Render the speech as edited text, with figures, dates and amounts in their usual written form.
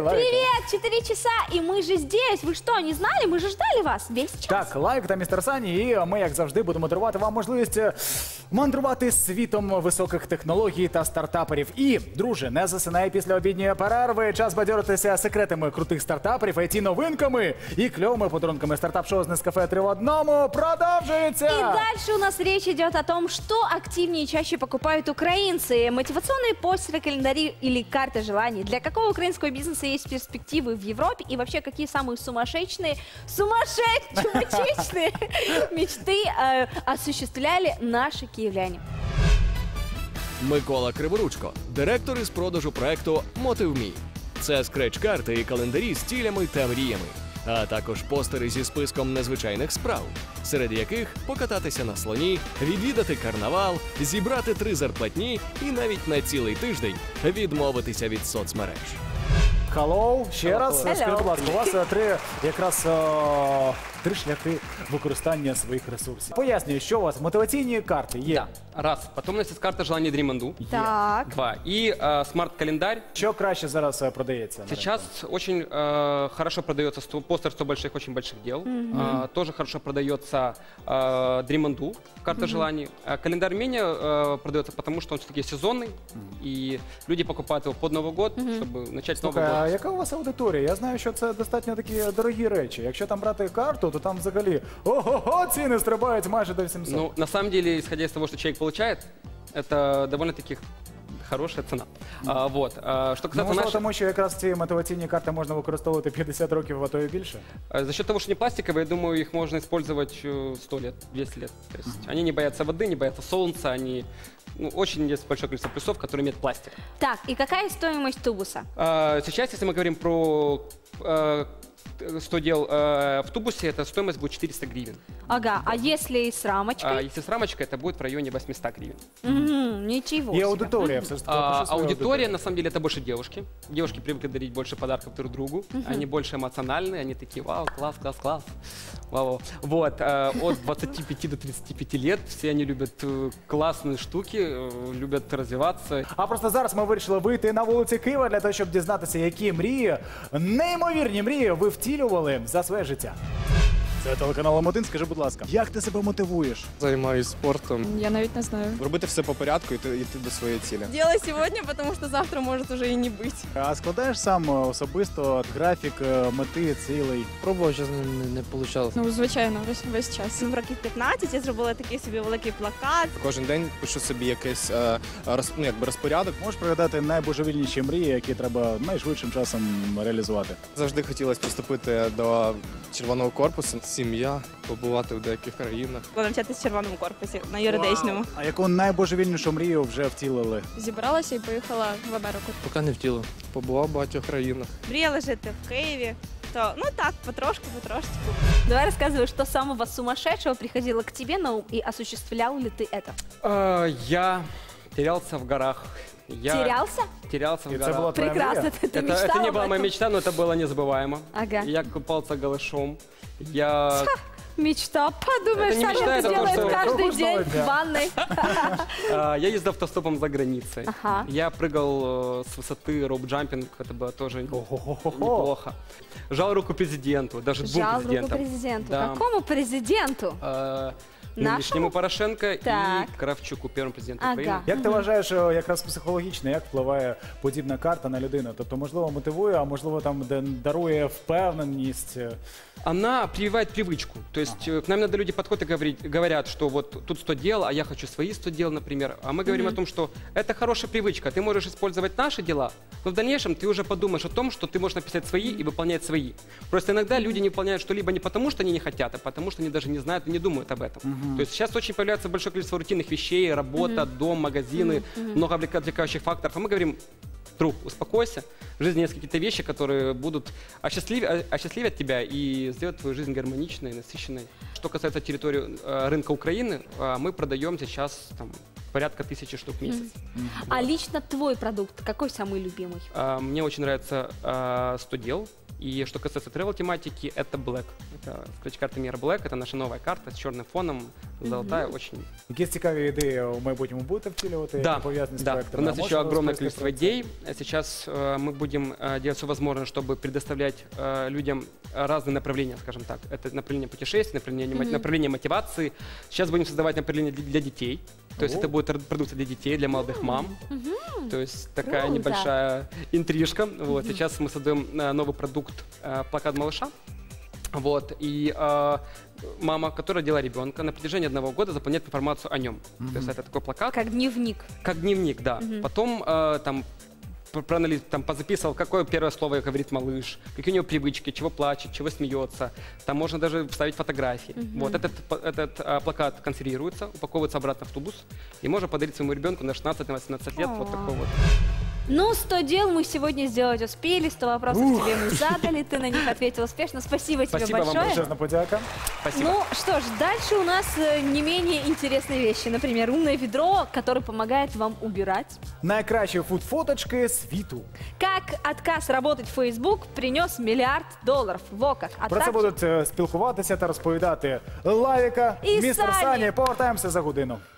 лайки. Привет, 4 часа, и мы же здесь. Ви що, не знали? Ми же ждали вас весь час. Так, лайк та містер Сані, і ми, як завжди, будемо дарувати вам можливість мандрувати світом високих технологій та стартаперів. І, друже, не засинай після обідньої перерви. Час бадьоритися секретами крутих стартаперів, IT-новинками і кльовими подарунками. Стартап-шоу з Нескафе 3 в одному продовжується! И дальше у нас речь идет о том, что активнее и чаще покупают украинцы. Мотивационные постеры, календари или карты желаний. Для какого украинского бизнеса есть перспективы в Европе? И вообще, какие самые сумасшедшие мечты осуществляли наши киевляне? Микола Криворучко, директор із продажу проекту «Мотив.Мі». Це скреч-карти і календарі з цілями та мріями, а також постери зі списком незвичайних справ, серед яких покататися на слоні, відвідати карнавал, зібрати 3 зарплатні і навіть на цілий тиждень відмовитися від соцмереж. Hello, ще раз. Hello. Скажіть, будь ласка, у вас три шляхи використання своїх ресурсів. Пояснюю, що у вас мотиваційні карти є. Да. Раз. Потом у нас есть карта желаний Dreamandu. Так. 2. И смарт-календарь. Що краще зараз продається? на Сейчас очень хорошо продается постер 100 больших, очень больших дел. Тоже хорошо продается Dreamandu, карта желаний. Календарь менее продается, потому что он все-таки сезонный. И люди покупают его под Новый год, чтобы начать Новый Слухай, а год. яка у вас аудиторія? Я знаю, що це достатньо такі дорогі речі. Якщо там брати карту, то там взагалі ого-го, ціни стрибають майже до 700. Ну, на самом деле, исходя из того, что человек получает, это довольно-таки хорошая цена. Что Ну, касается можливо, нашей... тому що якраз ці мотиваційні карти можна використовувати 50 років, а то і більше. За счет того, что они пластиковые, я думаю, их можно использовать 100 лет, 200 лет. То есть они не боятся воды, не боятся солнца, они... очень есть большое количество плюсов, которые имеют пластик. Так, и какая стоимость тубуса? Сейчас, если мы говорим про 100 дел в тубусе, это стоимость будет 400 гривен. Ага, а если с рамочкой? Если с рамочкой, это будет в районе 800 гривен. Ничего І себе. аудиторія все ж таки. Аудитория, на самом деле, это больше девушки. Девушки привыкли дарить больше подарков друг другу. Они больше эмоциональные, они такие: вау, класс, класс, класс. Вау. Вот, от 25 до 35 лет все они любят классные штуки, любят развиваться. А просто зараз ми вирішили вийти на вулиці Києва для того, щоб дізнатися, які мрії, неймовірні мрії ви втілювали за своє життя. Це телеканал М1. Скажи, будь ласка, як ти себе мотивуєш? Займаюсь спортом. Я навіть не знаю. Робити все по порядку і йти до своєї цілі. Делай сегодня, потому что завтра может уже и не быть. А складаєш сам особисто графік мети, цілей? Пробував, що не вийшло. Ну, звичайно, весь час. В років 15 я зробила такий собі великий плакат. Кожен день пишу собі якийсь розпорядок. Можеш пригадати найбожевільніші мрії, які треба найшвидшим часом реалізувати? Завжди хотілося поступити до Червоного корпусу. Сім'я, побувати в деяких країнах. Навчатися в червоному корпусі на юридичному. Вау! А яку найбожевільнішу мрію вже втілили? Зібралася і поїхала в Америку. Поки не втілив. Побував в багатьох країнах. Мріяла жити в Києві. То, ну так, потрошку. Давай рассказывай, что самого сумасшедшего приходило к тебе на ум и осуществлял ли ты это? Я терялся в горах. Терялся? Терялся в И это горах. была твоя Прекрасно, мрия? ты мечтал Это не об была моя этом? мечта, но это было незабываемо. Ага. Я купался голышом. Я... Мечта. Подумаешь, Это не Саня мечта, это это делает просто каждый круглый день день. в ванной. Я ездил автостопом за границей. Ага. Я прыгал с высоты роуп-джампинг, это было тоже Ого-го-го. неплохо. Жал руку президенту, даже двум Жал руку президентам. президенту. Да. Какому президенту? Нынешнему Порошенко Так. и Кравчуку, первому президенту Ага. Украины. Як ти вважаєш, якраз психологічно, як впливає подібна карта на людину? Тобто, можливо, мотивує, а можливо, там дарує впевненість? Она прививает привычку. То есть к нам иногда люди подходят и говорят, что вот тут 100 дел, а я хочу свои 100 дел, например. А мы говорим о том, что это хорошая привычка. Ты можешь использовать наши дела, но в дальнейшем ты уже подумаешь о том, что ты можешь написать свои и выполнять свои. Просто иногда люди не выполняют что-либо не потому, что они не хотят, а потому, что они даже не знают и не думают об этом. То есть сейчас очень появляется большое количество рутинных вещей, работа, дом, магазины, много отвлекающих факторов. А мы говорим: друг, успокойся. В жизни есть какие-то вещи, которые будут осчастливят тебя и сделать твою жизнь гармоничной, насыщенной. Что касается территории рынка Украины, мы продаем сейчас там порядка 1000 штук в месяц. А лично твой продукт какой самый любимый? Мне очень нравится 100 дел. И что касается travel-тематики, это Black. Это скретч-карта Мира Black. Это наша новая карта с черным фоном, золотая, очень... Якісь цікаві ідеї у майбутньому будете втілювати, Да, які пов'язані з да. проектами? У нас А еще можете огромное розповісти количество про це? идей. Сейчас мы будем делать все возможное, чтобы предоставлять людям разные направления, скажем так. Это направление путешествий, направление мотивации. Сейчас будем создавать направление для детей. То есть это будет продукция для детей, для молодых мам. То есть такая Круто. небольшая интрижка. Вот. Сейчас мы создаем новый продукт «Плакат малыша». Вот, и мама, которая родила ребенка, на протяжении 1 года заполняет информацию о нем. То есть это такой плакат. Как дневник. Как дневник, да. Потом там позаписывал, какое первое слово говорит малыш, какие у него привычки, чего плачет, чего смеется. Там можно даже вставить фотографии. Вот этот плакат консервируется, упаковывается обратно в тубус, и можно подарить своему ребенку на 16-18 лет вот такой вот. Ну, 100 дел мы сегодня сделать успели, 100 вопросов тебе мы задали, ты на них ответил успешно. Спасибо тебе Спасибо вам большое. Величезна подяка. Спасибо. Ну что ж, дальше у нас не менее интересные вещи. Например, умное ведро, которое помогает вам убирать. Найкращі фуд-фоточки світу. Как отказ работать в Facebook принес $1 миллиард. Во как. А Про це также- будуть спілкуватися та розповідати Лавіка, І містер Сані. Сані. Повертаємося за годину.